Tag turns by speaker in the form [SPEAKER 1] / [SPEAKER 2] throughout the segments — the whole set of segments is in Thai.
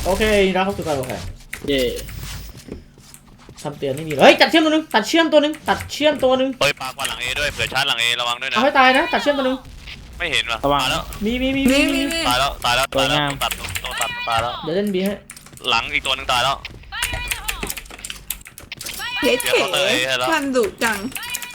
[SPEAKER 1] โอเคนะครับสุดยอดโอเค
[SPEAKER 2] เย่
[SPEAKER 1] ทำเตือนไม่มีเฮ้ยตัดเชื่อมตัวนึงตัดเชื่อมตัวนึงตัดเชื่อมตัวนึง
[SPEAKER 3] เฮ้ยปากว่าหลังเอด้วยเผื่อชาร์จหลังเอระวังด้วยนะ
[SPEAKER 1] เอาให้ตายนะตัดเชื่อมตัวนึง
[SPEAKER 3] ไม่เห็นว่ะ
[SPEAKER 2] ระวัง
[SPEAKER 3] ตายแล้ว
[SPEAKER 1] มี
[SPEAKER 3] ตายแล้วตายแล้วตายแล้วตัดต้องตัดตายแล้ว
[SPEAKER 1] เดี๋ยวเล่นบีให้
[SPEAKER 3] หลังอีกตัวหนึ่งตายแล้ว
[SPEAKER 4] เก๋ท่านดุจัง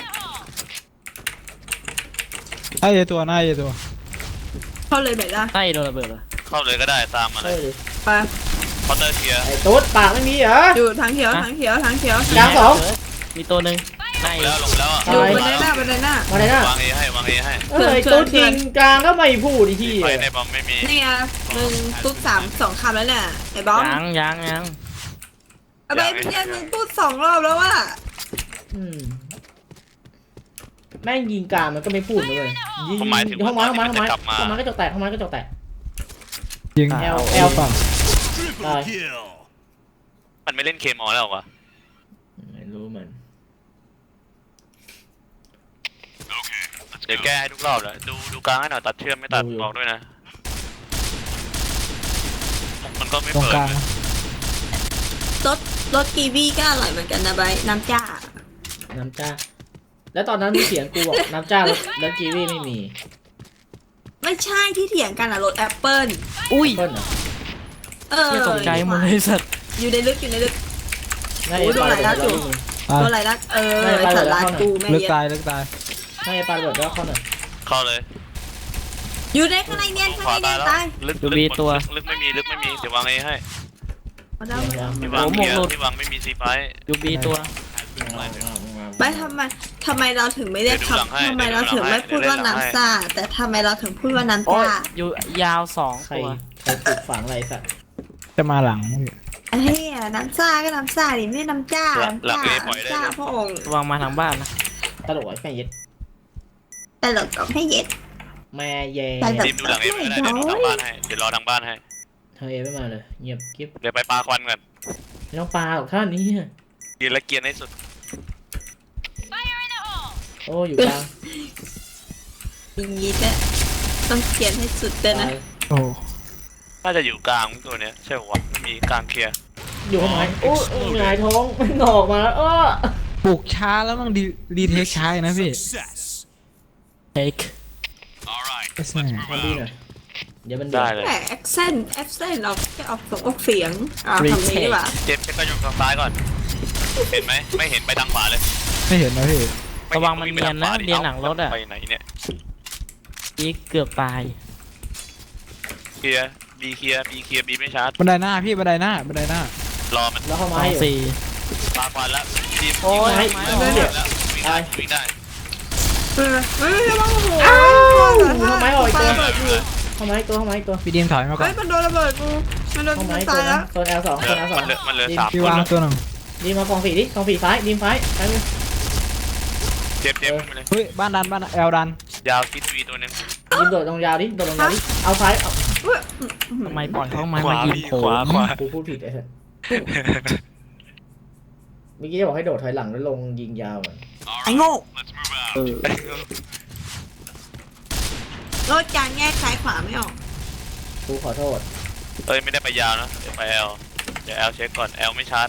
[SPEAKER 5] ไอ้เยตัวหน้าเยตัว
[SPEAKER 4] เข้าเลยแบบละ
[SPEAKER 2] ใต้โดนระเบิดเหรอ
[SPEAKER 3] เข้าเลยก็ได้ตามมาเล
[SPEAKER 1] เฮ้
[SPEAKER 3] ย
[SPEAKER 1] ย
[SPEAKER 4] ไป
[SPEAKER 3] เคาน์เตอร์เคลียร์
[SPEAKER 1] ไอ้ตุ๊ดปากไม่มีเหรอ
[SPEAKER 4] อยู่ทางเขียวทางเขียวทางเขียว
[SPEAKER 1] กลางสอง
[SPEAKER 2] มีตัวหนึ่งใต้
[SPEAKER 3] แล้วลงแล้วอ่ะ
[SPEAKER 4] อยู่บันไดหน้าบันไดหน้า
[SPEAKER 1] มาเลยนะ
[SPEAKER 3] วางเอให้วางเอให้
[SPEAKER 1] เฮ้ยตุ๊ดยิงกลางก็ไม่พูดอีกที
[SPEAKER 3] ไฟในบอมไม่มี
[SPEAKER 4] นี่ไงมึงตุ๊ด2 คำแล้วเนี่ยไอ้บอม
[SPEAKER 2] ยัง
[SPEAKER 4] อะไรเป็นเนี่ยมึงตุ๊ด2 รอบแล้วว่ะ
[SPEAKER 1] แม่งยิงกลางมันก็ไม่พูดเลยยิงห้องไม้ก็จกแตกห้องไม้ก็จกแตก
[SPEAKER 5] ยิง
[SPEAKER 1] แอล
[SPEAKER 5] ฝั่ง
[SPEAKER 1] ตาย
[SPEAKER 3] มันไม่เล่นเคมอลแล้ววะ
[SPEAKER 1] ไม่รู้มัน
[SPEAKER 3] เดี๋ยวแก้ให้ทุกรอบเลยดูกลางให้หน่อยตัดเชื่อมไม่ตัดบอกด้วยนะมันก็ไม่
[SPEAKER 5] ตรง
[SPEAKER 3] เปิด
[SPEAKER 5] กลาง
[SPEAKER 4] รสกีวีก็อร่อยเหมือนกันนะใบน้ำจ้า
[SPEAKER 1] น้ำจ้าแล้วตอนนั้นมีเสียงกูบอกน้ำจ้าแล้วกีวีไม่มี
[SPEAKER 4] ไม่ใช่ที่เถียงกันอะรสแอปเปิ้ล
[SPEAKER 2] อุ้ย
[SPEAKER 1] เพิ่นเหรอ
[SPEAKER 2] ที่ตกใจหมดเลยสัตว์
[SPEAKER 4] อยู่ในลึกอยู่ในลึก
[SPEAKER 1] น่าจะปลาระเบิดแล้ว
[SPEAKER 4] ตัวอะไรนะสารากูแม่
[SPEAKER 5] ลึก
[SPEAKER 4] เย็ด
[SPEAKER 5] ตายลึกตาย
[SPEAKER 1] น่าจะปลาระเบิดแล้วเข้าหน่อย
[SPEAKER 3] เข้าเลย
[SPEAKER 4] อยู่ในข้างในเนียนข้าง
[SPEAKER 3] ขวา
[SPEAKER 4] ในเนี
[SPEAKER 3] ตาย
[SPEAKER 4] ยน
[SPEAKER 3] แล้ว
[SPEAKER 4] ตาย
[SPEAKER 3] ลึกไม่มีเดี๋ยววางเอให้
[SPEAKER 4] เอาได้
[SPEAKER 3] ที่วางเกียร์ที่วางไม่มีซีไฟ
[SPEAKER 2] ยูบีตัว
[SPEAKER 4] ไม่ทำไมเราถึงไม่ได้ทำทำไมเราถึงไม่พูดว่าน้ำซ่าแต่ทำไมเราถึงพูดว่าน้ำ
[SPEAKER 2] โอ้ย
[SPEAKER 4] จ้า
[SPEAKER 2] อยู่ยาว2
[SPEAKER 1] ใคร
[SPEAKER 2] ตัว
[SPEAKER 1] ปลูกฝังอะไรสัตว์
[SPEAKER 5] จะมาหลัง
[SPEAKER 4] เฮ้ยน้ำซ่าก็น้ำซ่าดิไม่น้ำจ้าน้ำจ้าพระองค์
[SPEAKER 2] วางมาทางบ้านนะ
[SPEAKER 1] ตลกไอ้แม่เย็ด
[SPEAKER 4] แต่เราก็ให้เย็ด
[SPEAKER 1] แม่เย็
[SPEAKER 3] ทีมดูหลังเอไม่ได้เดี๋ยวดูทางบ้านให้เดี๋ยวรอทางบ้านให้
[SPEAKER 1] เธอเอไม่มาเลยเงียบกิ๊บ
[SPEAKER 3] เดี๋ยวไปปาควันก่อน
[SPEAKER 1] ไม่ต้องปลาหรอกท่านนี้
[SPEAKER 3] ยืนและเกียร์ให้สุด
[SPEAKER 1] โอ้อยู่กลาง
[SPEAKER 4] อย่างนี้เนี่ยต้องเขียนให้สุดเลยนะ
[SPEAKER 5] โอ้
[SPEAKER 3] น่าจะอยู่กลางตัวเนี้ยใช่ป่าวไม่มีกลางเคลียร์
[SPEAKER 1] อยู่ข้างในโอ้หงายท้องมันงอกมาแล้ว
[SPEAKER 5] ปลูกช้าแล้วมันดีเทคช้านะพี่
[SPEAKER 2] เทค
[SPEAKER 5] ไอ้แซ่
[SPEAKER 1] ทำดีหน่อยเดี๋ยวมัน
[SPEAKER 3] ได้เลย
[SPEAKER 4] แต่แอคเซนต์เราแค่ออกเสียงทำนี้ดีกว่า
[SPEAKER 3] เจมส์เช็คก็อยู่ทางซ้ายก่อนเห็นไหมไม่เห็นไปทางขวาเลย
[SPEAKER 5] ไม่เห็นนะพี่
[SPEAKER 2] ระวังมันเนียนนะเนียนหลังรถอ่ะ
[SPEAKER 3] ไปไหนเนี่ย
[SPEAKER 2] อีกเกือบตาย
[SPEAKER 3] เคลียร์บีเคลียร์บีไม่ชาร์จ
[SPEAKER 5] บันไดหน้าพี่บันไดหน้าร
[SPEAKER 3] อมัน
[SPEAKER 1] แล้วเข้า
[SPEAKER 2] ส
[SPEAKER 1] มา
[SPEAKER 2] อง
[SPEAKER 1] อยู่
[SPEAKER 2] สี่
[SPEAKER 3] ปาควันแล้วทีม
[SPEAKER 2] โอ้ย
[SPEAKER 3] วิ่งได้วิ่งได้
[SPEAKER 4] ไม่บ้างโอ้โห
[SPEAKER 1] เข้าไม้ออกอีกตัวเข้าไม้ตัวเข้าไม้ตัว
[SPEAKER 5] พี่ดีมถอยมาก่อ
[SPEAKER 4] เฮ้
[SPEAKER 5] น
[SPEAKER 4] ยมันโดนระเบิดกูมันโดน
[SPEAKER 1] เข้าไม้
[SPEAKER 4] กู
[SPEAKER 1] ตัว
[SPEAKER 4] ตายแล้ว
[SPEAKER 1] โซน L2 โซน L2
[SPEAKER 3] มันเหลือ3
[SPEAKER 5] พี่
[SPEAKER 3] คน
[SPEAKER 5] วางตัวหนึ่ง
[SPEAKER 1] ดีมากองฝีดิกองฝีซ้ายดีมซ้ายซ้ายมือ
[SPEAKER 3] เจ็บไปเลย
[SPEAKER 5] เฮ้ยบ้านดันแอลดัน
[SPEAKER 3] ยาวคิดวีตัวนึง
[SPEAKER 1] ดีมโดดตรงยาวดิโดดตรงยาวดิเอาซ้ายเอา
[SPEAKER 2] ทำไมปล่อยเขามายิงโผล่
[SPEAKER 1] กูพูดผิดไอ้สัสเมื่อกี้จะบอกให้โดดถอยหลังแล้วลงยิงยาวอ่ะ
[SPEAKER 4] ไอ้โง่
[SPEAKER 2] เออ
[SPEAKER 4] รถจานแยกซ้ายขวาไม่ออก
[SPEAKER 1] กูขอโทษ
[SPEAKER 3] เอ้ยไม่ได้ไปยาวนะเดี๋ยวไปแอลเดี๋ยวแอลเช็คก่อนแอลไม่ชาร์จ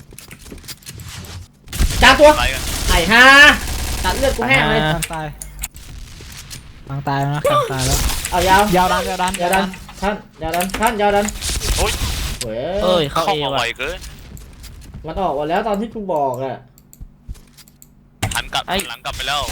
[SPEAKER 1] จ้าตัว
[SPEAKER 3] ไล่กัน
[SPEAKER 1] ไอ้ห่าตัดเลือดกูแห้งเลย
[SPEAKER 5] กลางตายกลางตายแล้วนะกลางตายแล้ว
[SPEAKER 1] เอายาวย
[SPEAKER 5] าวดัน
[SPEAKER 1] ยาวดันท่านยาวดันท่านยาวดัน
[SPEAKER 3] โอ้ย
[SPEAKER 1] เว้
[SPEAKER 2] เอ้
[SPEAKER 1] ย
[SPEAKER 2] ยเข้า
[SPEAKER 3] เข้า
[SPEAKER 2] เอ
[SPEAKER 3] มาไว
[SPEAKER 2] ว่ะ
[SPEAKER 3] เกิน
[SPEAKER 1] มันออกมาแล้วตอนที่กูบอกอ่ะ
[SPEAKER 3] หันกลับหลังกลับไปแล้ว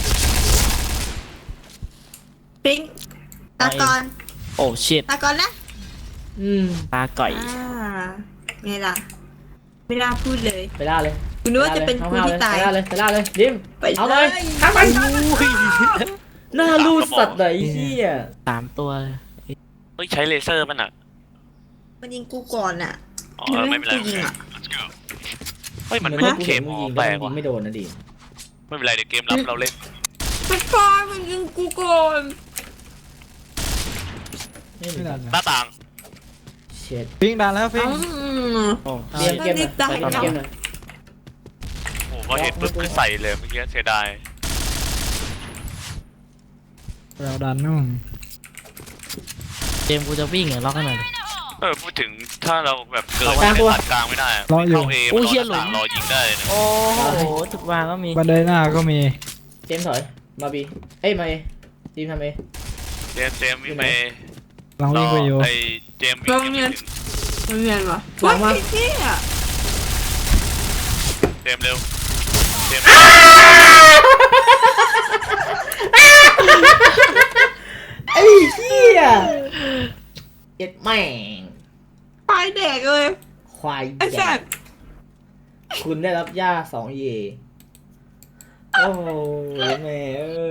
[SPEAKER 4] ปิ๊งตากร
[SPEAKER 2] โอ้ชิต
[SPEAKER 4] ตากรนะ
[SPEAKER 2] ตาก่อย
[SPEAKER 4] ไงล่ะไม่น่าพูดเลย
[SPEAKER 1] ไปล่าเลย
[SPEAKER 4] กูนึกว่าจะเป็นกูที่ตาย
[SPEAKER 1] ไปล่าเลยดิม
[SPEAKER 4] ไป
[SPEAKER 1] เอาเลยข้ามไปหน้ารูดสัตว์ไหนเฮีย
[SPEAKER 2] 3 ตัวเลย
[SPEAKER 3] เฮ้ยใช้เลเซอร์มันอ่ะ
[SPEAKER 4] มันยิงกูก่อนอ่ะ
[SPEAKER 3] อ๋อไม่เป็นไร
[SPEAKER 4] กูยิงอ่ะ
[SPEAKER 3] เฮ้ยมันไม่ได้เคมอแปลกว่ะ
[SPEAKER 1] ไม่โดนนะดิ
[SPEAKER 3] ไม่เป็นไรเดี๋ยวเกมรับเราเล่น
[SPEAKER 4] มันฟอยมันยิงกูก่อน
[SPEAKER 1] ไม่
[SPEAKER 5] ไม่ดัน
[SPEAKER 3] หน้าต่าง
[SPEAKER 1] เช็ด
[SPEAKER 5] พิงดันแล้วพิง
[SPEAKER 2] โอ้
[SPEAKER 1] เรียมเกมหน่อยไปเกมหน่อย
[SPEAKER 3] โอ้พอเห็นปุ๊บคือใส่เลยเมื่อกี้เสียดาย
[SPEAKER 5] แอลดันนู่น
[SPEAKER 2] เจมส์กูจะวิ่งเหรอล็อกให้หน่อยดิ
[SPEAKER 3] พูดถึงถ้าเราแบบเกิด
[SPEAKER 1] กลางตัว
[SPEAKER 3] ตัดกลางไม่ได้อะ
[SPEAKER 5] รออยู่
[SPEAKER 3] เข้าเอ
[SPEAKER 2] โอ้
[SPEAKER 3] มัน
[SPEAKER 2] เหี้ยหลุ
[SPEAKER 3] รอ
[SPEAKER 2] ม
[SPEAKER 3] รอยิงได้เลยนะ
[SPEAKER 2] โอ้โหทุกวางก็มี
[SPEAKER 5] บันไดหน้าก็มี
[SPEAKER 1] เจมส์ถอยมาบีเอ้ยมาเอทีมทำเอ
[SPEAKER 3] เจมส์วิ่งไป
[SPEAKER 5] ลองวิ่งไปอยู่
[SPEAKER 3] ไอเจมส์วิ่งยังไม่ถึง
[SPEAKER 4] มันเรียนวะ
[SPEAKER 1] วางมา
[SPEAKER 4] พี่อ่ะ
[SPEAKER 3] เจมส์เร็วเจมส์
[SPEAKER 1] ไอ้เหี้ยเอ็ดแม่ง
[SPEAKER 4] ตายแดกเลย
[SPEAKER 1] ควาย
[SPEAKER 4] ไอ้
[SPEAKER 1] ให
[SPEAKER 4] แซ่
[SPEAKER 1] ญ่
[SPEAKER 4] บ
[SPEAKER 1] คุณได้รับย่า2 เยโอ้แม่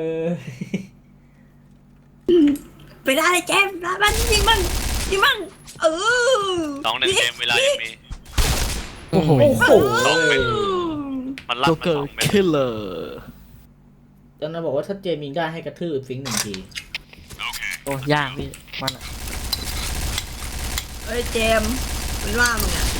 [SPEAKER 4] ไปได้เลยแจมส์มันยิงมันเออ
[SPEAKER 3] 2-1เจมส์เวลายังมี
[SPEAKER 5] โอ้โห
[SPEAKER 1] โอ้โห
[SPEAKER 3] สองเม็ด มันลั่น
[SPEAKER 2] โจ
[SPEAKER 3] มา
[SPEAKER 2] เกอ
[SPEAKER 3] ส
[SPEAKER 2] ร์
[SPEAKER 3] องเม็ด
[SPEAKER 2] คิลเลอร์
[SPEAKER 1] จนเราบอกว่าถ้าเจมิงได้ให้กระทืบฟิงค์1 ที
[SPEAKER 2] โอ้ยากพี่มันอะ
[SPEAKER 4] เอ้ยเจมส์มันว่ามึงอ่ะ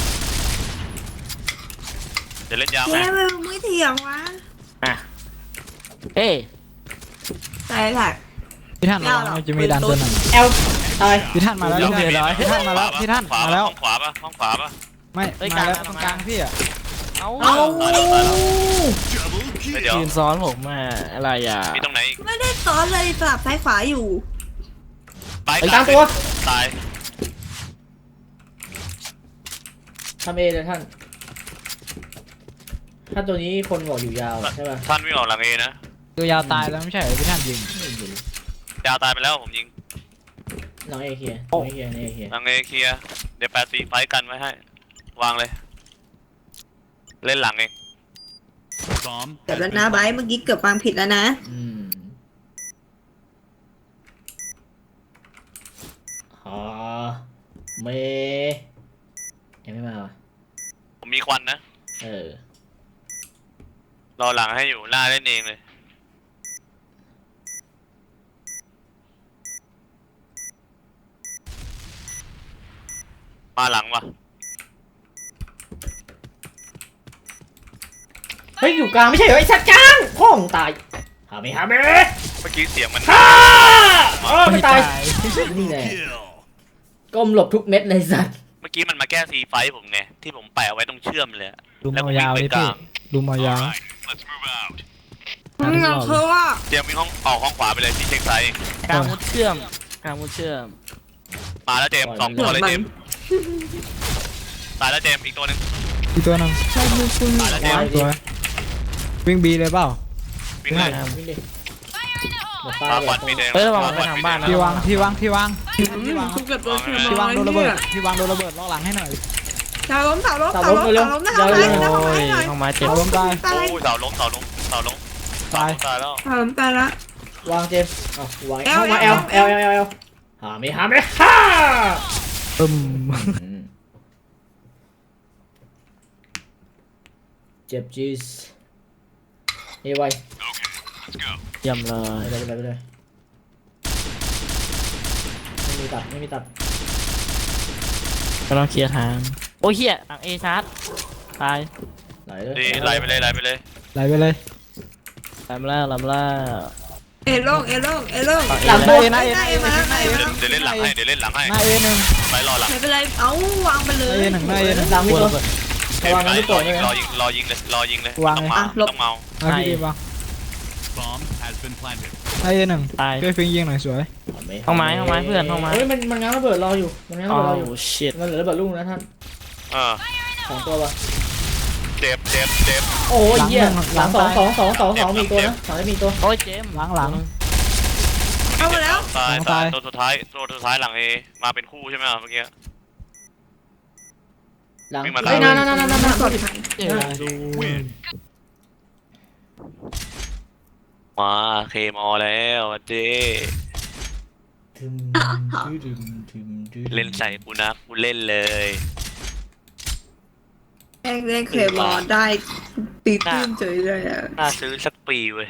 [SPEAKER 3] จะเล่นยาว
[SPEAKER 4] เจ
[SPEAKER 3] ไหม
[SPEAKER 4] มส์มึงไม่เถียงวะ
[SPEAKER 2] อ่ะเอ้ย
[SPEAKER 4] ใช่แหละ
[SPEAKER 5] พี่ท่านระวังมันจะมีดันตัวหนึ่ง
[SPEAKER 1] เอลตาย
[SPEAKER 5] พี่ท่านมาแล้ว
[SPEAKER 2] เดี๋ยว
[SPEAKER 5] พี่ท่านมาแล้วพี่ท่าน
[SPEAKER 3] ขวา
[SPEAKER 5] มา
[SPEAKER 3] ปะ
[SPEAKER 5] แล้ว
[SPEAKER 3] ห้องขวาปะห้องขวาปะ
[SPEAKER 5] ไม่
[SPEAKER 2] เอ้ย
[SPEAKER 5] มาแล้ว
[SPEAKER 2] กลาง
[SPEAKER 5] ตรงกลางพี่อ่ะ
[SPEAKER 2] เอา
[SPEAKER 1] เอา
[SPEAKER 3] ตายแล้วตายแล้วไม่เดี๋ยว
[SPEAKER 2] ยืนซ้อนผมมาอะไรอ่ะ
[SPEAKER 3] มีตรงไหนอีก
[SPEAKER 4] ไม่ได้ซ้อนเลยสลับซ้ายขวาอยู่
[SPEAKER 3] ไป
[SPEAKER 1] ไอ้กลางตัว
[SPEAKER 3] ตาย
[SPEAKER 1] ทำเอเลยท่าน ถ้าตัวนี้คนบอกอยู่ยาวอะใช่ป่ะ
[SPEAKER 3] ท่านวิ่งออกหลังเอนะ
[SPEAKER 5] ตัวยาวตายแล้วไม่ใช่เหรอพี่ท่านยิง
[SPEAKER 3] ยาวตายไปแล้วผมยิง
[SPEAKER 1] หลังเอเคลียร์หลังเอเคลียร์หลังเอเคลียร์
[SPEAKER 3] หลังเอเคลียร์เดี๋ยว8-4ไฟท์กันไว้ให้ วางเลย เล่นหลังเอง
[SPEAKER 4] เกือบแล้วนะไบร์ทเมื่อกี้เกือบวางผิดแล้วนะ
[SPEAKER 1] อ๋อเมยังไม่มาวะ
[SPEAKER 3] ผมมีควันนะ
[SPEAKER 1] เออ
[SPEAKER 3] รอหลังให้อยู่หน้าเล่นเองเลย มาหลังวะ
[SPEAKER 1] เฮ้ยอยู่กลางไม่ใช่เหรอไอ้สัตว์กลางพ่องตายหาไม่หาไม่
[SPEAKER 3] เมื่อกี้เสียงมัน
[SPEAKER 1] ฮ่าไม่ตายนี่แน่ก้มหลบทุกเม็ดเลยสัตว์
[SPEAKER 3] เมื่อกี้มันมาแก้ซีไฟท์ผมไงที่ผมแปะเอาไว้ตรงเชื่อมเลยอะ
[SPEAKER 5] ดู
[SPEAKER 3] แล้ว
[SPEAKER 5] มา
[SPEAKER 3] ก็วิ่
[SPEAKER 5] ยาง ว
[SPEAKER 3] ไป
[SPEAKER 5] เลย
[SPEAKER 3] ก
[SPEAKER 5] พี่
[SPEAKER 3] ลาง
[SPEAKER 5] ดูมายาว
[SPEAKER 4] มึงยังคือว่า
[SPEAKER 3] เตรียมวิ่งห้องออกห้องขวาไปเลยพี่เช็คไซด์เอง
[SPEAKER 2] กลางมุดเชื่อมกลางมุดเชื่อม
[SPEAKER 3] มาแล้วเจมส์2 ตัวเลยเจมส์ตายแล้วเจมส์อีกตัวหนึง
[SPEAKER 5] อีกตัวหนึง
[SPEAKER 3] ตายแล้วเจมส์
[SPEAKER 5] ตัววิ่งบีเลยเปล่า
[SPEAKER 3] วิ่งเลย
[SPEAKER 1] วิ่งดิหมด
[SPEAKER 3] ปา
[SPEAKER 1] ตา
[SPEAKER 3] บอลมีเดง
[SPEAKER 2] เฮ้ยระวังไปทางบ้านนะ
[SPEAKER 5] ที่วางที่วางที่วาง
[SPEAKER 4] ทุกเกือบโดนเชื่อม
[SPEAKER 5] ที่วางโดนระเบิดที่วางโดนระเบิดล็อกหลังให้หน่อย
[SPEAKER 4] เสาล้มนะทำไมนะ
[SPEAKER 2] โอ้
[SPEAKER 4] ทำไม
[SPEAKER 2] ย
[SPEAKER 4] หน่อย
[SPEAKER 2] เข้ามาเจ็บ
[SPEAKER 5] เอาล้มตาย
[SPEAKER 4] ตาย
[SPEAKER 3] โอ้ยเสาล้ม
[SPEAKER 5] ตาย
[SPEAKER 3] ตายแล้ว
[SPEAKER 4] เสาล้มตายละ
[SPEAKER 1] วางเจมส์เอาวาง
[SPEAKER 4] เอล
[SPEAKER 1] เข้ามาเอล
[SPEAKER 4] เอ
[SPEAKER 1] เอ
[SPEAKER 4] ล
[SPEAKER 1] ลเอลเอลหาไม่หาไม่ฮ่า
[SPEAKER 5] ตึม
[SPEAKER 1] เจ็บจีสเอไว
[SPEAKER 2] เยี่ยมเลย
[SPEAKER 1] ไปเลยไม่มีตัดไม่มีตัด
[SPEAKER 2] ก็ต้องเคลียร์ทางโอ้ยเฮียหลังเอชาร์จตาย
[SPEAKER 1] ไหลเลย
[SPEAKER 3] ดีไล่ไปเลย
[SPEAKER 5] ไหลไปเลย
[SPEAKER 2] ลำแล้วลำแล้ว
[SPEAKER 4] เอล่ง
[SPEAKER 1] หลังตัว
[SPEAKER 5] หน้าเอหน้าเอ
[SPEAKER 4] มา
[SPEAKER 5] หน้าเอ
[SPEAKER 3] เดี๋ยวเล่นหลังให้เดี๋ยวเล่นหลังให้
[SPEAKER 5] หน้าเอหนึ่ง
[SPEAKER 3] ไปรอหลัง
[SPEAKER 4] ไม่เป็นไรเอ้าวางไปเล
[SPEAKER 5] หน้าย เอหนึ่งหน้าเอหนึ่ง
[SPEAKER 1] หลังมีตัวระวัง
[SPEAKER 3] ร
[SPEAKER 1] นะไม่ปล่อยนะ
[SPEAKER 3] อยิงเลย
[SPEAKER 5] วาง
[SPEAKER 3] ต้อง
[SPEAKER 5] เลย
[SPEAKER 3] เมาต้องเมา
[SPEAKER 5] หน้าพี่ดีป่ะ
[SPEAKER 6] Bomb has been planted.
[SPEAKER 5] หน้าเอหนึ่ง
[SPEAKER 2] ตาย
[SPEAKER 5] ช่วยฟิงยิงหน่อยสวย
[SPEAKER 2] ห้องไม้เพื่อนห้องไม้
[SPEAKER 1] เฮ้ยมันง้างระเบิดรออยู่มันง้าง
[SPEAKER 2] โอ้
[SPEAKER 1] ระเบิดรออยู่
[SPEAKER 2] ชิต
[SPEAKER 1] มันเหลือระเบิดลูกนะท่าน 2 ตัววะ
[SPEAKER 3] เจ็บ
[SPEAKER 1] โอ้ยเหี้ยหลัง2มีตัวนะ2ได้มีตัว
[SPEAKER 2] โอ้ยเจมส์
[SPEAKER 5] หลัง
[SPEAKER 4] เอามาแล้ว
[SPEAKER 3] ตายตัวสุดท้ายหลังเอมาเป็นคู่ใช่ไหมเมื่อกี้
[SPEAKER 1] หลัง
[SPEAKER 3] วิ่งมา
[SPEAKER 1] เฮ้ยนั่น
[SPEAKER 4] กดทัน
[SPEAKER 2] เจ๋งดู
[SPEAKER 3] มาเคมอแล้วเจเล่นใส่กูนะกูเล่นเลย
[SPEAKER 4] แองเล่นเคยบอลได้ตีตื้นเฉยเลยอ่ะ
[SPEAKER 3] น่าซื้อสักปีเว้ย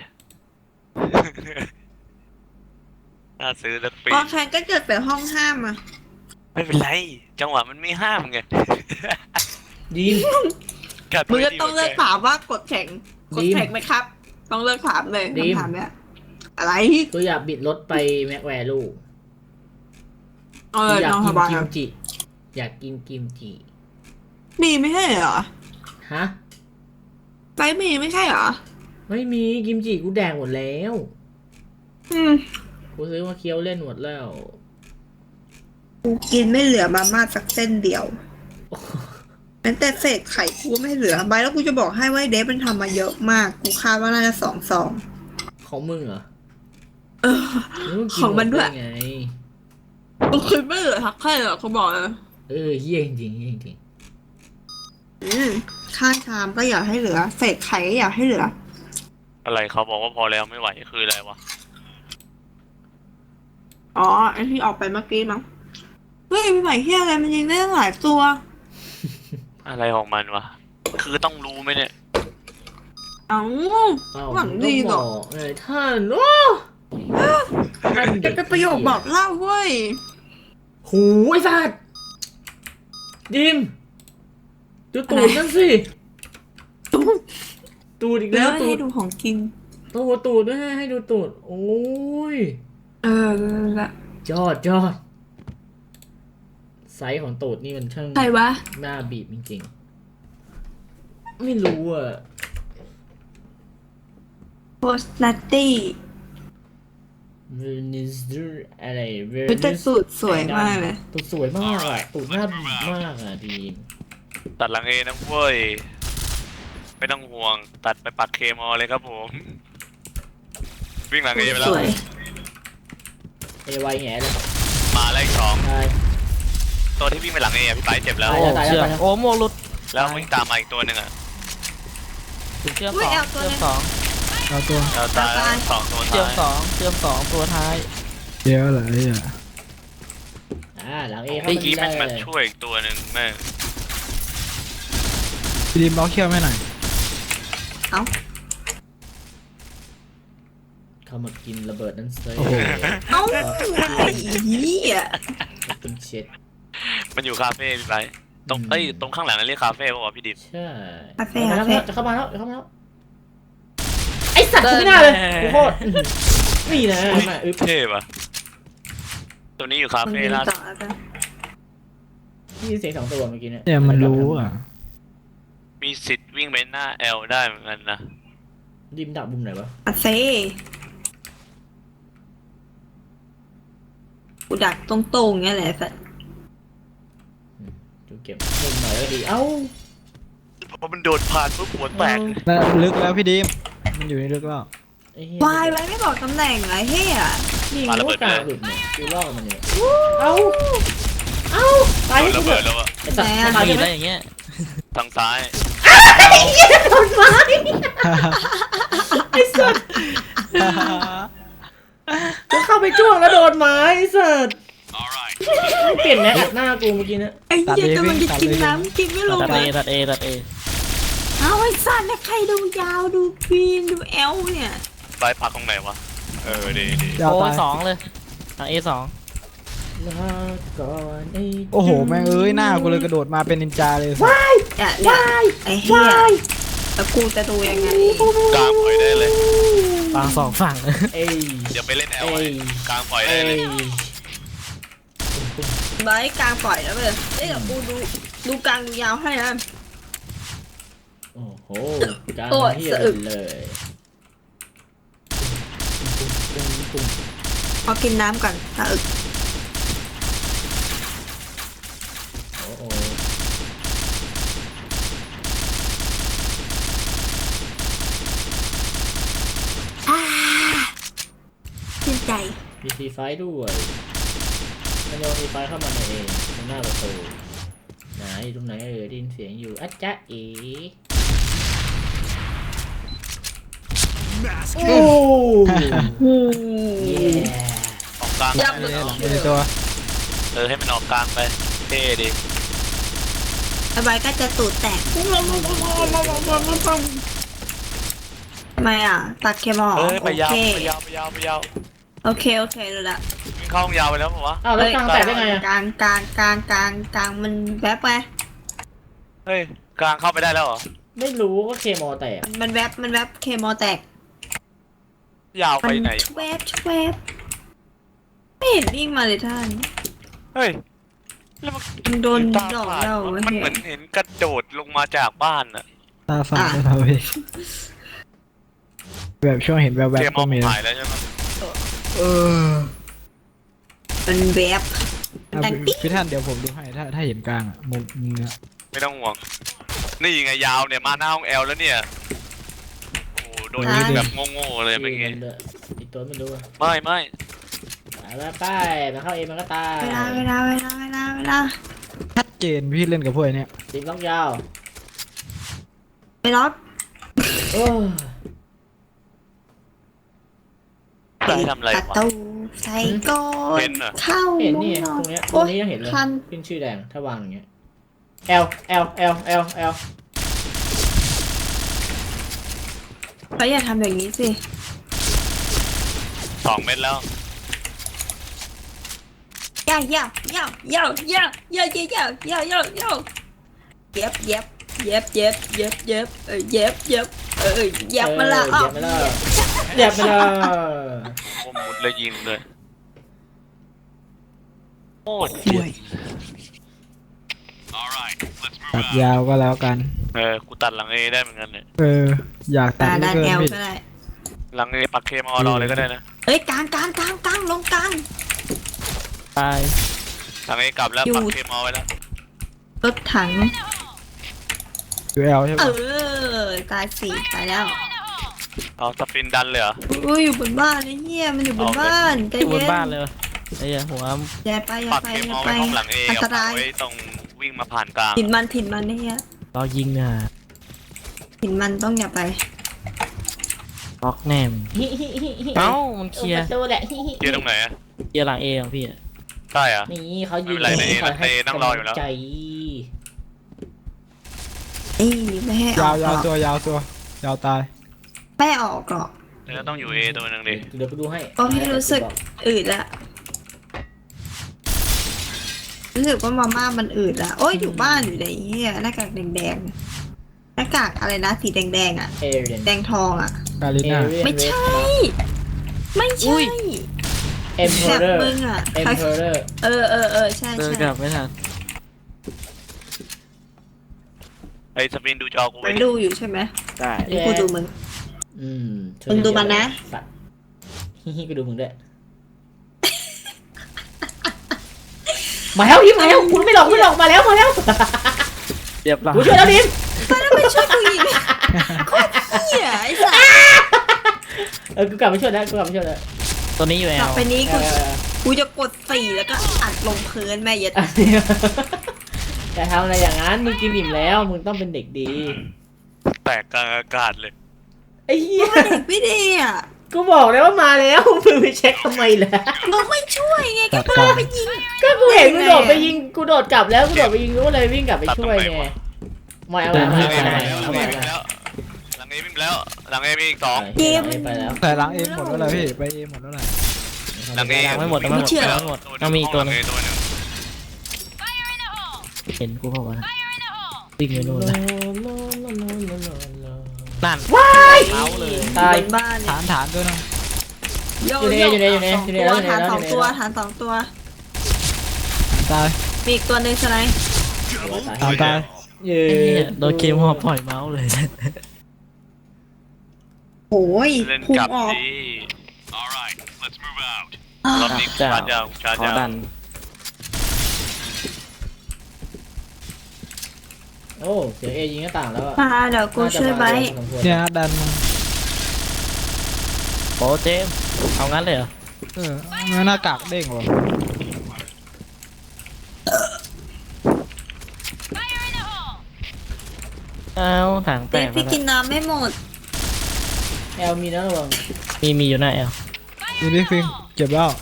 [SPEAKER 3] น่าซื้อสักปี
[SPEAKER 4] พอแข่งก็เกิดแต่ห้องห้ามอ่ะ
[SPEAKER 3] ไม่เป็นไร จังหวะมันไม่ห้ามไง
[SPEAKER 1] ดีม
[SPEAKER 4] มึงก็ต้องเลือกถามว่ากดแข่งไหมครับ ต้องเลือกถามเลยคำถามเนี้ยอะไร
[SPEAKER 1] ตัวอยากบิดรถไปแม็กแวร์ลูก
[SPEAKER 4] เออ
[SPEAKER 1] อยาก
[SPEAKER 4] น้อง
[SPEAKER 1] กิ
[SPEAKER 4] ส
[SPEAKER 1] น
[SPEAKER 4] บาย
[SPEAKER 1] กิมจิอยากกินกิมจิ
[SPEAKER 4] มีไม่ใช่เหรอ
[SPEAKER 1] ฮะ
[SPEAKER 4] ไปมีไม่ใช่เหรอ
[SPEAKER 1] ไม่มีกิมจิกูแดกหมดแล้ว
[SPEAKER 4] อืม
[SPEAKER 1] กูซื้อมาเคี้ยวเล่นหมดแล้ว
[SPEAKER 4] กูกินไม่เหลือมาม่าสักเส้นเดียวแม้แต่เศษไข่กูก็ไม่เหลือใบแล้วกูจะบอกให้ว่าเดฟมันทำมาเยอะมาก กูคาดว่าน่าจะ2 ซอง
[SPEAKER 1] ของมึงเหรอ
[SPEAKER 4] เออ
[SPEAKER 1] แล้วงกิ
[SPEAKER 4] ของมันด้วย
[SPEAKER 1] หไไง
[SPEAKER 4] กูคิดไม่เหลือทักแค่เหรอเขาบอกเลย
[SPEAKER 1] เฮี้ยจริงๆเฮี้ยจริง
[SPEAKER 4] ข้างชามก็อยากให้เหลือ เศษไข่ก็อยากให้เหลือ
[SPEAKER 3] อะไรเขาบอกว่าพอแล้วไม่ไหวคืออะไรวะ
[SPEAKER 4] อ๋อไอที่ออกไปเมื่อกี้มั้งเฮ้ยพี่ใหม่เฮียอะไรมันยิงได้ตั้งหลายตัว
[SPEAKER 3] อะไรของมันวะคือต้องรู้ไหมเนี่ย
[SPEAKER 4] เอ้า
[SPEAKER 1] เอ้า
[SPEAKER 4] หวังดีเหรอ
[SPEAKER 1] มึงก็บอกเลยท่านโอ้ท่าน
[SPEAKER 4] เป็นประโยคบอกเล่าเว้ย
[SPEAKER 1] หูไอ้สัตว์ดิมดูตูดนั่นสิตูดอีก
[SPEAKER 4] แล้
[SPEAKER 1] แล้ว วตู
[SPEAKER 4] ให้
[SPEAKER 1] ด
[SPEAKER 4] ดูของกิน
[SPEAKER 1] ตูดด้วยให้ดูตูดโอ้ย
[SPEAKER 4] ละ
[SPEAKER 1] ยอดไซส์ของตูดนี่มันช่าง
[SPEAKER 4] ใครวะ
[SPEAKER 1] หน้าบีบจริงๆไม่รู้อ่ะ
[SPEAKER 4] โพสนัตตี้
[SPEAKER 1] เวนิสอะไรเว
[SPEAKER 4] เป็นแต่
[SPEAKER 1] นิส
[SPEAKER 4] สูตรสวยมากเลย
[SPEAKER 1] ตูดสวยมากอ่ะตูดหน้าบีบมากอ่ะดีม
[SPEAKER 3] ตัดหลังเอนะเว้ยไม่ต้องห่วงตัดไปปักเคมอเลยครับผมวิ่งหลังเอไปแล้
[SPEAKER 4] ส
[SPEAKER 3] ว
[SPEAKER 4] วย
[SPEAKER 1] เอไวแง่เลย
[SPEAKER 3] มาแล้วอีกสอง
[SPEAKER 1] ตาย
[SPEAKER 3] ตัวที่วิ่งไปหลังเอพี่ไปเจ็บแล้ว
[SPEAKER 2] โอ้เชื่อมโอ้โมหลุด
[SPEAKER 3] แล้ววิ่งตามมาอีกตัวหนึ่งอ่ะ
[SPEAKER 2] ถึงเชื่อม
[SPEAKER 4] อุ๊
[SPEAKER 2] ส
[SPEAKER 4] ย
[SPEAKER 2] อง
[SPEAKER 4] เอาตัว
[SPEAKER 2] เชื่อม
[SPEAKER 4] นั้น
[SPEAKER 2] สอง
[SPEAKER 5] เอาตัว
[SPEAKER 3] เราตาย
[SPEAKER 4] ตาย
[SPEAKER 3] 2 ตัว
[SPEAKER 2] เชื่อม
[SPEAKER 3] ท้าย
[SPEAKER 2] 2เชื่อม2ตัวท้าย
[SPEAKER 5] เดี๋ยวเหรอไอ้อะ
[SPEAKER 1] หลังเอเข้า
[SPEAKER 3] เมื่อ
[SPEAKER 1] มา
[SPEAKER 3] กี้
[SPEAKER 1] ได้
[SPEAKER 3] แม่ง
[SPEAKER 1] เล
[SPEAKER 3] มาย ช่วยอีกตัวหนึ่งแม่ง
[SPEAKER 5] พี่ดิมล็อกเขี้ยวไม่หน่อย
[SPEAKER 4] เอ้า
[SPEAKER 1] เข้ามากินระเบิดนั้นเซ่
[SPEAKER 5] โอ้โห
[SPEAKER 4] เอ้าไอ้เหี้ย
[SPEAKER 1] เป็นเช็ด
[SPEAKER 3] มันอยู่คาเฟ่พี่ไปตรงตรงข้างหลังนั่นเรียกคาเฟ่ป่าวะพี่ดิบ
[SPEAKER 1] ใช่
[SPEAKER 4] คาเฟ่
[SPEAKER 1] มา
[SPEAKER 4] คา
[SPEAKER 1] แล้ว
[SPEAKER 4] เฟ่
[SPEAKER 1] จะเข้ามาแล้วไอสัตว์กูไม่น่าเลยกูโคตรนี่นะมาอึ๊บ
[SPEAKER 3] เท่ปะตัวนี้อยู่คา
[SPEAKER 4] มึง
[SPEAKER 3] เฟ่
[SPEAKER 4] ยิง
[SPEAKER 3] ล่า
[SPEAKER 4] ต่อแล้วกัน
[SPEAKER 1] นี่เสียง2 ตัวเมื่อกี้เนี่ย
[SPEAKER 5] เนี่ยมันรู้อ่ะ
[SPEAKER 3] มีสิทธิ์วิ่งไปหน้า L ได้เหมือนกันนะ
[SPEAKER 1] ดิมดับมุมไหนวะ
[SPEAKER 4] คาเฟ่กูดักตรงๆเงี้ยแหละสัตว์
[SPEAKER 1] ดูเก็บมุมหน่อยก็ดีเอ้า
[SPEAKER 3] เพราะมันโดนผ่านปุ๊บหัวแตก
[SPEAKER 5] แล้วลึกแล้วพี่ดิมมันอยู่ในลึกแล้ว
[SPEAKER 1] ไอ้เหี้
[SPEAKER 4] วายไว้ไม่บอกตำแหน่งเหรอเฮีย
[SPEAKER 1] ยิงลูกกลางหลุดเนี่ยกูล่อมันเนี่ยเอ้าตาย
[SPEAKER 3] โด
[SPEAKER 1] ให้
[SPEAKER 3] น
[SPEAKER 1] กู
[SPEAKER 3] ระ
[SPEAKER 1] เถ
[SPEAKER 3] เบิด
[SPEAKER 1] อะ
[SPEAKER 3] แล้วอะ
[SPEAKER 1] ไอสัตว์
[SPEAKER 4] แหม
[SPEAKER 1] ตาย
[SPEAKER 2] มี
[SPEAKER 1] ใช่ไหม
[SPEAKER 2] ได้อย่างเงี้ย
[SPEAKER 3] ทางซ้าย
[SPEAKER 1] โดนไม้ไอสัตว์ก็เข้าไปจ้วงแล้วโดนไม้ไอสัตว์เปลี่ยนแม็กอัดหน้ากูเมื่อกี้เนี่ย
[SPEAKER 4] ไอ้เหี้ยกำลังจะกินน้ำกินไม่ลง
[SPEAKER 2] ตัด
[SPEAKER 4] เล
[SPEAKER 2] เอย ตัดเอตัดเอ
[SPEAKER 4] เอาไอ้สัตว์แล้วใครดูยาวดูควีนดูแอลเนี่ย
[SPEAKER 3] ไปพักตรงไหนวะดี
[SPEAKER 5] ยาว
[SPEAKER 2] โอ้
[SPEAKER 5] ตาย
[SPEAKER 2] 2เลยทาง A2
[SPEAKER 1] ลาก่อนไอ้
[SPEAKER 5] โอ้โหแม่งเอ้ยหน้ากูเลยกระโดดมาเป็นนินจาเลย
[SPEAKER 4] เนี่ยไอ้เหี้ยแล้วกูจะดูยังไง
[SPEAKER 3] กลางปล่อยได้เลย
[SPEAKER 2] วาง2ฝั่ง
[SPEAKER 1] เอ้ย
[SPEAKER 3] เดี๋ยวไปเล่น L
[SPEAKER 1] เอ้ย
[SPEAKER 3] กลางปล่อยได้
[SPEAKER 1] เอ้
[SPEAKER 3] เลย
[SPEAKER 1] ย
[SPEAKER 4] ไว้กลางปล่อยแล้วเลยเอ้ยเดี๋ยวกูดูกลางดูยาวให้นะ
[SPEAKER 1] โอ้โหกลาง
[SPEAKER 4] โอ้ย
[SPEAKER 1] เฮีย
[SPEAKER 4] สะอึก
[SPEAKER 1] เลยปุ้ง
[SPEAKER 4] เอากินน้ำก่อนตาอึก
[SPEAKER 1] โอ้โห
[SPEAKER 4] ชื่นใจ
[SPEAKER 1] มีซีไฟด้วยมันโยนซีไฟเข้ามาในเองตรงหน้าประตูไหนอยู่ตรงไหนได้ยินเสียงอยู่อะจ๊ะเอ๋โอ้เย่
[SPEAKER 3] ออกกลาง
[SPEAKER 4] ยับ
[SPEAKER 5] เล
[SPEAKER 4] เลย ย
[SPEAKER 5] หลังในตัว
[SPEAKER 3] ให้มันออกกลางไปเท่ดี
[SPEAKER 4] ไอ้ใบก็จะตูดแตกทำไมอ่ะตัดเคมอล
[SPEAKER 3] ไปยาว
[SPEAKER 4] โอเค
[SPEAKER 3] ไปยาว
[SPEAKER 4] โอเคดูละ
[SPEAKER 3] วิ่งเข้าห้องยาวไปแล้วป่าวะ
[SPEAKER 1] อ้าวแล้วกลางแตกได้ไงอะ
[SPEAKER 4] กลางมันแวบไป
[SPEAKER 3] เฮ้ยกลางเข้าไปได้แล้วเหรอ
[SPEAKER 1] ไม่รู้ก็เคมอแตก
[SPEAKER 4] มันแวบเคมอลแตก
[SPEAKER 3] ยาว
[SPEAKER 4] มั
[SPEAKER 3] ไปไหน
[SPEAKER 4] แวบไม่เห็นวิ่งมาเลยท่าน
[SPEAKER 3] เฮ้ยแล้วมัน
[SPEAKER 4] มึงโดน
[SPEAKER 3] ตา
[SPEAKER 4] ดอก
[SPEAKER 3] ฝาด
[SPEAKER 4] เรา
[SPEAKER 3] มัน
[SPEAKER 4] เหี้
[SPEAKER 3] เหมื
[SPEAKER 4] ย
[SPEAKER 3] อนเห็นกระโดดลงมาจากบ้านอะ
[SPEAKER 5] ตาฝาดเลยเราเองแบบช่วงเห็นแวบ
[SPEAKER 3] เกม
[SPEAKER 5] ๆ
[SPEAKER 3] ม
[SPEAKER 5] ก็
[SPEAKER 3] อง
[SPEAKER 5] มี
[SPEAKER 3] หายแล้วใช่ไหม
[SPEAKER 4] มันแวบ
[SPEAKER 5] อ่ะ
[SPEAKER 4] ดังปิ๊ก
[SPEAKER 5] พี่ท่านเดี๋ยวผมดูให้ถ้าเห็นกลางอ่ะมุมเนี้ย
[SPEAKER 3] ไม่ต้องห่วงนี่ไงยาวเนี่ยมาหน้าห้องแอลแล้วเนี่ยโอ้โหโดนยิงแบบโง่ๆเลยเมื่อกี้
[SPEAKER 1] อีกตัวไม่รู้อะ
[SPEAKER 3] ไม่
[SPEAKER 1] ไปไปมันเข้าเองมันก็ตาย
[SPEAKER 4] เวลา
[SPEAKER 5] ชัดเจนพี่เล่นกับพวกไอ้เนี่ย
[SPEAKER 1] ติดล็อกยาว
[SPEAKER 4] ไปล็อก
[SPEAKER 1] โอ้
[SPEAKER 3] ได้ทำอะไร
[SPEAKER 4] ประ
[SPEAKER 3] วะ
[SPEAKER 4] ตูใส่ก้อ
[SPEAKER 3] เป็น นเหรอ
[SPEAKER 4] เข้า
[SPEAKER 1] เห็น
[SPEAKER 4] มุ้
[SPEAKER 1] นี่
[SPEAKER 4] งนอ
[SPEAKER 1] ตร
[SPEAKER 4] น
[SPEAKER 1] งเนี้ยตร
[SPEAKER 4] โอ๊
[SPEAKER 1] ง
[SPEAKER 4] ย
[SPEAKER 1] นี้ยังเห็นเลย
[SPEAKER 4] คัน
[SPEAKER 1] ขึ้นชื่อแดงถ้าวางอย่างเงี้ยL
[SPEAKER 4] เขาอย่าทำอย่างนี้สิ
[SPEAKER 3] 2 เม็ดแล้ว
[SPEAKER 4] ย่าเย็บมาละ
[SPEAKER 1] เหยียบไปแล้วเหยียบไปแล้ว
[SPEAKER 3] ผมมุดเลยยิงเลยโอ้ย
[SPEAKER 6] Alright, let's
[SPEAKER 5] ตั
[SPEAKER 6] move
[SPEAKER 5] ด
[SPEAKER 6] out.
[SPEAKER 5] ยาวก็แล้วกัน
[SPEAKER 3] กูตัดหลังเอได้เหมือนกันเนี่ย
[SPEAKER 5] อยากตัด
[SPEAKER 4] ด้าน
[SPEAKER 5] เหลือ
[SPEAKER 4] แอ
[SPEAKER 5] เกิน
[SPEAKER 4] ล
[SPEAKER 5] พี่
[SPEAKER 4] ก็ได้
[SPEAKER 3] หลังเอปักเคมอรอเลยก็ได้นะ
[SPEAKER 4] เอ้ยกลางลงกลาง
[SPEAKER 2] ตาย
[SPEAKER 3] หลังเอกลับแล้วปักเคมอไว้แล้ว
[SPEAKER 4] รถถัง
[SPEAKER 5] ยูเอลใช่
[SPEAKER 4] เอ
[SPEAKER 5] ปะ
[SPEAKER 4] อตายสี่ตายแล้ว
[SPEAKER 3] เอาสปินดันเลยเหรอ
[SPEAKER 4] อุ้ยอยู่บนบ้านไอ้เหี้ยมันอยู่บนบ้านใจ
[SPEAKER 2] อยู่บ
[SPEAKER 4] เย็
[SPEAKER 2] น
[SPEAKER 4] น
[SPEAKER 2] บ้านเลยไอ้เหี้ยหัว
[SPEAKER 4] อย่าไป
[SPEAKER 3] ปักเคมอไว้ห้องหลังเอ
[SPEAKER 4] อัน
[SPEAKER 3] กับ
[SPEAKER 4] ต
[SPEAKER 3] ปั
[SPEAKER 4] ราก ย
[SPEAKER 3] ไว้ตรงวิ่งมาผ่านกลาง
[SPEAKER 4] ถิ่นมันไอ้เหี้ย
[SPEAKER 2] เรายิงเนี่ย
[SPEAKER 4] ถิ่นมันต้องอย่าไป
[SPEAKER 2] ล็อกแน่มเอ้ามันเคลียร์
[SPEAKER 1] ตัวแหละ
[SPEAKER 3] เกียร์ตรงไหนอะ
[SPEAKER 2] เคลียร์หลังเอของพี่อะ
[SPEAKER 3] ใช่เหรอ
[SPEAKER 1] นี่เขายืน
[SPEAKER 3] ไม่เป็นไรนะเอนั่งรออยู่แล้ว
[SPEAKER 1] ใจ
[SPEAKER 4] ไม่ให้อ
[SPEAKER 5] ยา
[SPEAKER 4] อ
[SPEAKER 5] ว
[SPEAKER 4] กหรอก
[SPEAKER 5] ตัวยาวตาย
[SPEAKER 4] ไม่ออกหรอก
[SPEAKER 3] แล้วต้องอยู่เอตัวนึงดิ
[SPEAKER 1] เดี๋ยวไปดูให้
[SPEAKER 4] เพราะพี่รู้สึกอืดละรู้สึกว่ามาม่ามันอืดละโอ้ยอยู่บ้านอยู่ในเหี้ยหน้ากากแดงหน้ากากอะไรนะสีแดงอ่ะ
[SPEAKER 1] เอเรียน
[SPEAKER 4] แดงทองอ่ะ
[SPEAKER 5] กาลิน่า
[SPEAKER 4] ไม่ใช่ ไม่ใช่
[SPEAKER 1] เอ็มเพ
[SPEAKER 4] แบ
[SPEAKER 1] อบ เรอร์
[SPEAKER 4] มึงอ่ะ
[SPEAKER 1] เอ็มเพอเรอร์
[SPEAKER 4] เออใช่
[SPEAKER 2] เดิน
[SPEAKER 4] ใช่
[SPEAKER 2] กลับไม่ทัน
[SPEAKER 3] ไอ้สปินดูจอกู
[SPEAKER 4] มั
[SPEAKER 3] ไว้
[SPEAKER 4] น
[SPEAKER 3] ดิ
[SPEAKER 4] ดูอยู่ใช่ไหม
[SPEAKER 2] ได้
[SPEAKER 4] นี่กูดูมึง
[SPEAKER 1] อืม
[SPEAKER 4] มึงดูมันนะ
[SPEAKER 1] สัตว์ฮิฮิก็ดูมึงด้วยมาแล้วดิมมาแล้วคุณไม่หลอกมาแล้ว
[SPEAKER 2] เรียบร้อย
[SPEAKER 1] กูช่วยแล้วดิม
[SPEAKER 4] ไปช่วยกูอีกโคตรเหี้ยไอ้สัส
[SPEAKER 1] กูกลับมาช่วยแล้ว
[SPEAKER 2] ตัวนี้อยู่แอ
[SPEAKER 4] ต่อ
[SPEAKER 2] ล
[SPEAKER 4] ไปนี้กูจะกด4แล้วก็อัดลงพื้นแม่เย็ด
[SPEAKER 1] อย่าทำอะไรอย่างนั้นมึงกินอิ่มแล้วมึงต้องเป็นเด็กดี
[SPEAKER 3] แตกกลางอากาศเลย
[SPEAKER 1] ไอ้เหี้ย
[SPEAKER 4] เด็กไม่ดีอ่ะ
[SPEAKER 1] กูบอกแล้วว่ามาแล้วมึงไปเช็คทำไมล่ะ
[SPEAKER 4] มึงไม่ช่วยไง
[SPEAKER 5] ตั
[SPEAKER 4] ก็
[SPEAKER 5] ด
[SPEAKER 4] พาก
[SPEAKER 5] ลาง
[SPEAKER 4] ไปยิง
[SPEAKER 1] ก็กูเห็นมึงโดดไปยิงกูโดดกลับแล้วกูโดดไปยิงกูก็เลยวิ่งกลับไปช่วยไงไม่เอา
[SPEAKER 3] หลัง
[SPEAKER 1] ไม่
[SPEAKER 3] เอ
[SPEAKER 1] เอา
[SPEAKER 3] วิ่ง
[SPEAKER 1] ไม่
[SPEAKER 3] แล้ว
[SPEAKER 1] เอา
[SPEAKER 3] หลังเอวิ่งแล้วหลังเอมีอีก2
[SPEAKER 4] เกม
[SPEAKER 1] ไปแล้ว
[SPEAKER 5] แต่ล้างเอหมดแล้วเหรอพี่ไปเอหมดแล้วเหรอ
[SPEAKER 3] หลังเอ
[SPEAKER 2] ยังไม่หมดยังไม่หมดยังไม่หมดต้องมีอีกตัวนึง
[SPEAKER 3] ตัวนึง
[SPEAKER 2] เห็นกูเปล่าวะนะวิ่งไปนู่นนะนั่น
[SPEAKER 1] ว้าย
[SPEAKER 2] เท้าเลย
[SPEAKER 1] ตาย
[SPEAKER 4] บนบ้านเนี่ย
[SPEAKER 5] ฐานด้วยนะ
[SPEAKER 1] อยู่ใน
[SPEAKER 4] ฐานสองตัว
[SPEAKER 5] ตาย
[SPEAKER 4] มีอีกตัวหนึงใช่ไหม
[SPEAKER 5] ตาย
[SPEAKER 1] เย้
[SPEAKER 2] ไอ้เหี้ยโดนเกมหัวปล่อยเมาส์เลย
[SPEAKER 4] โอ้ย
[SPEAKER 3] เล่น
[SPEAKER 4] พุ่ง
[SPEAKER 3] กลับ
[SPEAKER 4] ออก
[SPEAKER 3] ดี
[SPEAKER 6] Alright, let's move out.
[SPEAKER 3] รอบนี้กูชาร์จยาวกูชาร์จาว
[SPEAKER 2] ขอยดัน
[SPEAKER 1] โอ้เสียเอยิงหน้าต่างแล้วอะ
[SPEAKER 4] มาเดี๋ยวกูช่วยไบร์ท
[SPEAKER 5] เนี่ยดันมา
[SPEAKER 2] โอ้เจมส์เอางั้นเลยเหรอ
[SPEAKER 5] หน้ากากเด้งว่ะ
[SPEAKER 2] เอาถังแต
[SPEAKER 4] เด็ก
[SPEAKER 2] ก
[SPEAKER 4] พี่กินน้ำไม่หมด
[SPEAKER 1] แอลมีนะระวัง
[SPEAKER 2] มีอยู่หน้าแอล
[SPEAKER 5] ดูดิฟิงเจ็บแล้ว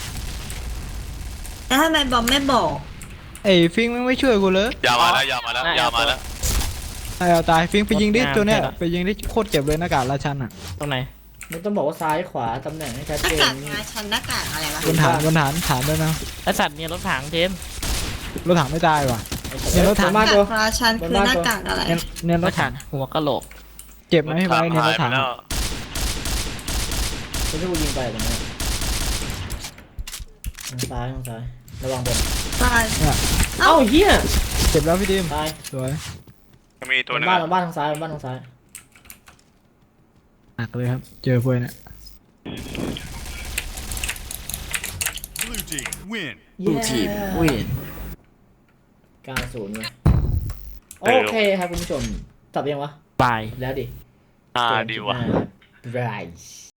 [SPEAKER 4] แล้วทำไมบอมไม่บอก
[SPEAKER 5] ไอ้ฟิงไม่ช่วยกูเลย
[SPEAKER 3] ยาวมาแล้วยาวมาแล้ว
[SPEAKER 5] ไอ้เอาตายฟิงไปยิงดิตัวเนี้ยไปยิงดิโคตรเจ็บเลยหน้ากากราชันอ่ะ
[SPEAKER 2] ตรงไหน
[SPEAKER 1] มึงต้องบอกว่าซ้ายขวาตำแหน่งให้ชัด
[SPEAKER 4] หน้า
[SPEAKER 1] เจ
[SPEAKER 4] กาก
[SPEAKER 1] น
[SPEAKER 4] งาชันหน้ากากอะไรวะ
[SPEAKER 5] บนฐานด้วยนะ
[SPEAKER 2] ไอสัตว์เนี่ยรถถังเจมส์
[SPEAKER 5] รถถังไม่ตายว่ะ เนี่ยรถถัง
[SPEAKER 1] มา
[SPEAKER 4] หน้า
[SPEAKER 1] ตัว
[SPEAKER 4] กากราชันคือหน้ากากอะไร
[SPEAKER 5] เนี่ย
[SPEAKER 2] ร
[SPEAKER 5] ร
[SPEAKER 2] ถ
[SPEAKER 5] ถ
[SPEAKER 2] ถั
[SPEAKER 5] ถั
[SPEAKER 2] ง
[SPEAKER 5] ง
[SPEAKER 2] หัวกะโหลก
[SPEAKER 5] เจ็บไหมพี่ไว้เนี่ยรถถัง
[SPEAKER 3] แล้ว
[SPEAKER 1] ไม่ใช่กูยิงไปตรงนี้ทางซ้ายระวังบน
[SPEAKER 4] ตาย
[SPEAKER 5] เนี่ย
[SPEAKER 1] เอ้าเฮีย
[SPEAKER 5] เจ็บแล้วพี่ดิม
[SPEAKER 1] ตาย
[SPEAKER 5] สวย
[SPEAKER 3] จะมีตัวหนึง
[SPEAKER 1] บ้าน
[SPEAKER 3] อะ
[SPEAKER 1] บ้านทางซ้ายบ้านทางซ้าย
[SPEAKER 5] หนักเลยครับ เจอพวกเนี่ย
[SPEAKER 6] Blue team win.
[SPEAKER 2] ดูทีมวิน
[SPEAKER 1] 90เลยโอเคครับคุณผู้ชมตอบยังวะ
[SPEAKER 2] บาย
[SPEAKER 1] แล้วดิ
[SPEAKER 3] ดีว่ะ
[SPEAKER 1] บราย